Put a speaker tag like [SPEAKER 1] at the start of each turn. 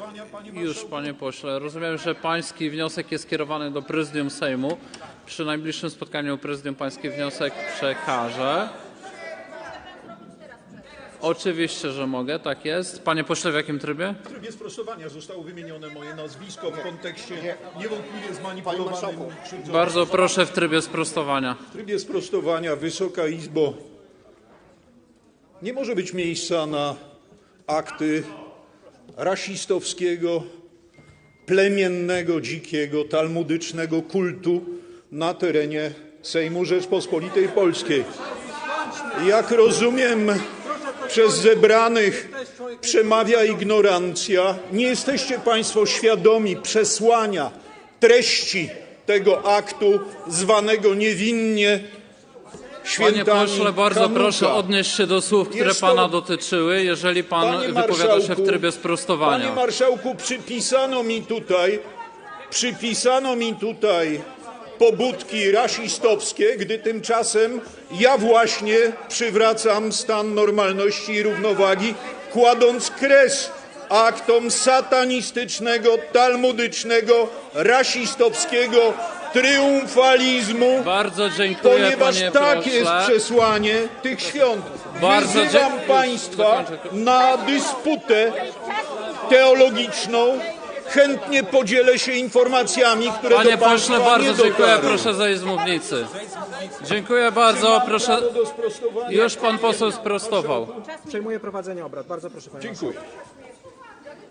[SPEAKER 1] Już, panie pośle. Rozumiem, że pański wniosek jest skierowany do Prezydium Sejmu. Przy najbliższym spotkaniu Prezydium pański wniosek przekaże. Oczywiście, że mogę, tak jest. Panie pośle, w jakim trybie?
[SPEAKER 2] W trybie sprostowania zostało wymienione moje nazwisko w kontekście niewątpliwie zmanipulowanym.
[SPEAKER 1] Bardzo proszę w trybie sprostowania.
[SPEAKER 2] W trybie sprostowania, Wysoka Izbo, nie może być miejsca na akty rasistowskiego, plemiennego, dzikiego, talmudycznego kultu na terenie Sejmu Rzeczpospolitej Polskiej. Jak rozumiem, przez zebranych przemawia ignorancja. Nie jesteście państwo świadomi przesłania treści tego aktu zwanego niewinnie świętami
[SPEAKER 1] Panie pośle, bardzo
[SPEAKER 2] Hanuka.
[SPEAKER 1] proszę odnieść się do słów, które
[SPEAKER 2] Jest to-
[SPEAKER 1] pana dotyczyły, jeżeli pan wypowiada się w trybie sprostowania.
[SPEAKER 2] Panie marszałku, przypisano mi tutaj pobudki rasistowskie, gdy tymczasem ja właśnie przywracam stan normalności i równowagi, kładąc kres aktom satanistycznego, talmudycznego, rasistowskiego triumfalizmu,
[SPEAKER 1] Bardzo dziękuję,
[SPEAKER 2] ponieważ
[SPEAKER 1] panie
[SPEAKER 2] tak
[SPEAKER 1] pośle.
[SPEAKER 2] jest przesłanie tych świąt.
[SPEAKER 1] Bardzo
[SPEAKER 2] Wyzywam
[SPEAKER 1] dziękuję.
[SPEAKER 2] państwa na dysputę teologiczną. Chętnie podzielę się informacjami, które
[SPEAKER 1] Panie
[SPEAKER 2] do państwa
[SPEAKER 1] pośle, bardzo
[SPEAKER 2] nie
[SPEAKER 1] dziękuję.
[SPEAKER 2] dotarły.
[SPEAKER 1] Proszę zejść z mównicy. Dziękuję bardzo. Proszę.
[SPEAKER 2] Prawo do sprostowania.
[SPEAKER 1] Już pan poseł sprostował.
[SPEAKER 3] Przejmuję prowadzenie obrad. Bardzo proszę, panie marszałku.
[SPEAKER 2] Dziękuję.